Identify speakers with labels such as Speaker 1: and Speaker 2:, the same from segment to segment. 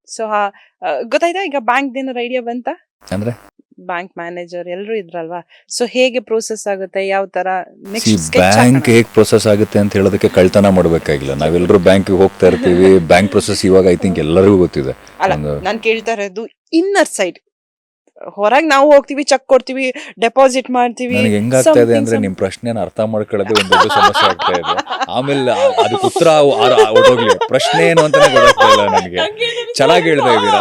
Speaker 1: So ಗೊತ್ತಾಯ್ತಾ ಈಗ bank ಏನಾರ ಐಡಿಯಾ ಬಂತ?
Speaker 2: ಅಂದ್ರೆ
Speaker 1: ಬ್ಯಾಂಕ್ ಮ್ಯಾನೇಜರ್ ಎಲ್ಲರೂ ಇದ್ರಲ್ವಾ, ಸೊ ಹೇಗೆ ಪ್ರೋಸೆಸ್ ಆಗುತ್ತೆ, ಯಾವ ತರ
Speaker 2: ಬ್ಯಾಂಕ್ ಹೇಗ್ ಪ್ರೊಸೆಸ್ ಆಗುತ್ತೆ ಅಂತ ಹೇಳೋದಕ್ಕೆ ಕಳ್ತನ ಮಾಡ್ಬೇಕಾಗಿಲ್ಲ. ನಾವೆಲ್ಲರೂ ಬ್ಯಾಂಕ್ ಹೋಗ್ತಾ ಇರ್ತೀವಿ. ಬ್ಯಾಂಕ್ ಪ್ರೊಸೆಸ್ ಇವಾಗ ಐ ಥಿಂಕ್ ಎಲ್ಲರಿಗೂ ಗೊತ್ತಿದೆ.
Speaker 1: ನಾನು ಕೇಳ್ತಾ ಇರೋದು ಇನ್ನರ್ ಸೈಡ್. ಹೊರಗೆ ನಾವು ಹೋಗ್ತೀವಿ, ಚೆಕ್ ಕೊಡ್ತೀವಿ, ಡೆಪಾಸಿಟ್ ಮಾಡ್ತೀವಿ.
Speaker 2: ನನಗೆ ಹೆಂಗಾಗ್ತಾ ಇದೆ ಅಂದ್ರೆ ನಿಮ್ ಪ್ರಶ್ನೆನ ಅರ್ಥ ಮಾಡ್ಕೊಳ್ಳೋದೇ ಒಂದು ದೊಡ್ಡ ಸಮಸ್ಯೆ ಆಗ್ತಾ ಇದೆ. ಆಮೇಲೆ ಅದಕ್ಕೆ ಉತ್ತರ ಹೊರಟೋಗ್ಲಿ. ಪ್ರಶ್ನೆ ಏನು ಅಂತಾನೆ ಗೊತ್ತಾಗ್ತಾ ಇಲ್ಲ ನನಗೆ. ಚೆನ್ನಾಗಿ ಹೇಳ್ತಾ ಇದ್ದೀರಾ.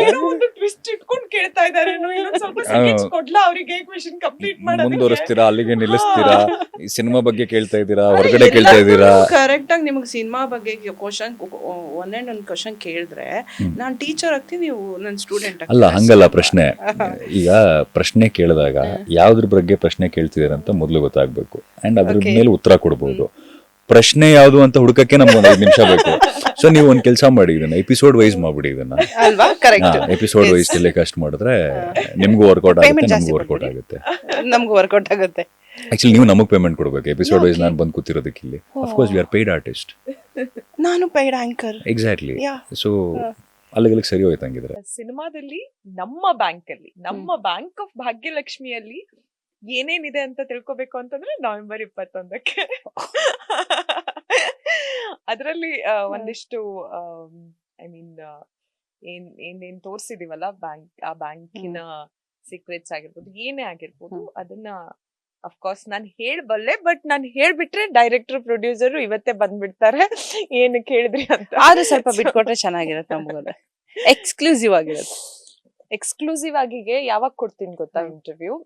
Speaker 2: ಮುಂದುವರಿಸ್ತೀರಾ, ಅಲ್ಲಿಗೆ ನಿಲ್ಲಿಸ್ತೀರಾ, ಈ ಸಿನಿಮಾ ಬಗ್ಗೆ ಕೇಳ್ತಾ ಇದ್ದೀರಾ, ಹೊರಗಡೆ ಕೇಳ್ತಾ ಇದ್ದೀರಾ.
Speaker 1: ಕರೆಕ್ಟ್ ಆಗಿ ನಿಮ್ಗೆ ಸಿನಿಮಾ ಬಗ್ಗೆ ಒಂದೊಂದು ಕ್ವಶನ್ ಕೇಳಿದ್ರೆ ನಾನು ಟೀಚರ್ ಆಗ್ತೀನಿ, ನೀವು ನನ್ನ ಸ್ಟೂಡೆಂಟ್.
Speaker 2: ಅಲ್ಲ, ಹಂಗಲ್ಲ ಪ್ರಶ್ನೆ. ಈಗ ಪ್ರಶ್ನೆ ಕೇಳಿದಾಗ ಯಾವ್ದ್ರ ಬಗ್ಗೆ ಪ್ರಶ್ನೆ ಕೇಳ್ತಿದಾರೆ ಅಂತ ಮೊದಲು ಗೊತ್ತಾಗ್ಬೇಕು. ಅಂಡ್ ಅದ್ರ ಮೇಲೆ ಉತ್ತರ ಕೊಡ್ಬೋದು. ಪ್ರಶ್ನೆ ಯಾವ್ದು ಅಂತ ಹುಡುಕಕ್ಕೆ ನಮ್ಗೆ ಒಂದು 5 ನಿಮಿಷ ಬೇಕು. ಸೊ ನೀವು ಒಂದ್ ಕೆಲಸ ಮಾಡಿ, ಇದನ್ನ ಎಪಿಸೋಡ್ ವೈಸ್ ಮಾಡ್ಬಿಡಿ. ಇದನ್ನ ಎಪಿಸೋಡ್ ವೈಸ್ ಟೆಲಿಕಾಸ್ಟ್ ಮಾಡಿದ್ರೆ ನಿಮ್ಗೂ ವರ್ಕೌಟ್ ಆಗುತ್ತೆ, ನಮ್ಗೂ ವರ್ಕೌಟ್ ಆಗುತ್ತೆ.
Speaker 1: ನಮ್ಗೂ ವರ್ಕೌಟ್ ಆಗುತ್ತೆ.
Speaker 2: ಆಕ್ಚುಲಿ ನೀವು ನಮಗ್ ಪೇಮೆಂಟ್ ಕೊಡ್ಬೇಕು ಎಪಿಸೋಡ್ ವೈಸ್. ನಾನು ಬಂದು ಕೂತಿರೋದಕ್ಕೆ ಇಲ್ಲಿ. Of course we are paid artist.
Speaker 1: ನಾನು ಪೇಯ್ಡ್ ಆಂಕರ್.
Speaker 2: ಎಕ್ಸಾಕ್ಟ್ಲಿ. ಸೊ ಅಲ್ಲಿಗೆ ಸರಿ ಹೋಯ್ತು. ಹಂಗಿದ್ರೆ
Speaker 3: ಸಿನಿಮಾದಲ್ಲಿ ನಮ್ಮ ಬ್ಯಾಂಕ್ ಆಫ್ ಭಾಗ್ಯಲಕ್ಷ್ಮಿಯಲ್ಲಿ ಏನೇನಿದೆ ಅಂತ ತಿಳ್ಕೊಬೇಕು ಅಂತಂದ್ರೆ November 21ಕ್ಕೆ ಅದರಲ್ಲಿ ಒಂದಿಷ್ಟು ಐ ಮೀನ್ ಏನೇನ್ ತೋರ್ಸಿದೀವಲ್ಲ, ಆ ಬ್ಯಾಂಕಿನ ಸೀಕ್ರೆಟ್ಸ್ ಆಗಿರ್ಬೋದು, ಏನೇ ಆಗಿರ್ಬೋದು, ಅದನ್ನ ಅಫ್ಕೋರ್ಸ್ ನಾನು ಹೇಳ್ಬಲ್ಲೆ. ಬಟ್ ನಾನು ಹೇಳ್ಬಿಟ್ರೆ ಡೈರೆಕ್ಟರ್ ಪ್ರೊಡ್ಯೂಸರ್ ಇವತ್ತೇ ಬಂದ್ಬಿಡ್ತಾರೆ ಏನು ಕೇಳಿದ್ರಿ ಅಂತ.
Speaker 1: ಆದ್ರೆ ಸ್ವಲ್ಪ ಬಿಟ್ಕೊಟ್ರೆ ಚೆನ್ನಾಗಿರುತ್ತೆ. ನಮಗೋದ್ರೆ ಎಕ್ಸ್ಕ್ಲೂಸಿವ್ ಆಗಿರುತ್ತೆ.
Speaker 3: ಎಕ್ಸ್ಕ್ಲೂಸಿವ್ ಆಗಿಗೆ ಯಾವಾಗ ಕೊಡ್ತೀನಿ ಗೊತ್ತಾ interview?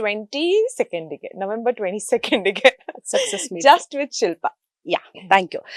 Speaker 3: 22nd November 22nd
Speaker 1: success
Speaker 3: just with Shilpa.
Speaker 1: Yeah, thank you.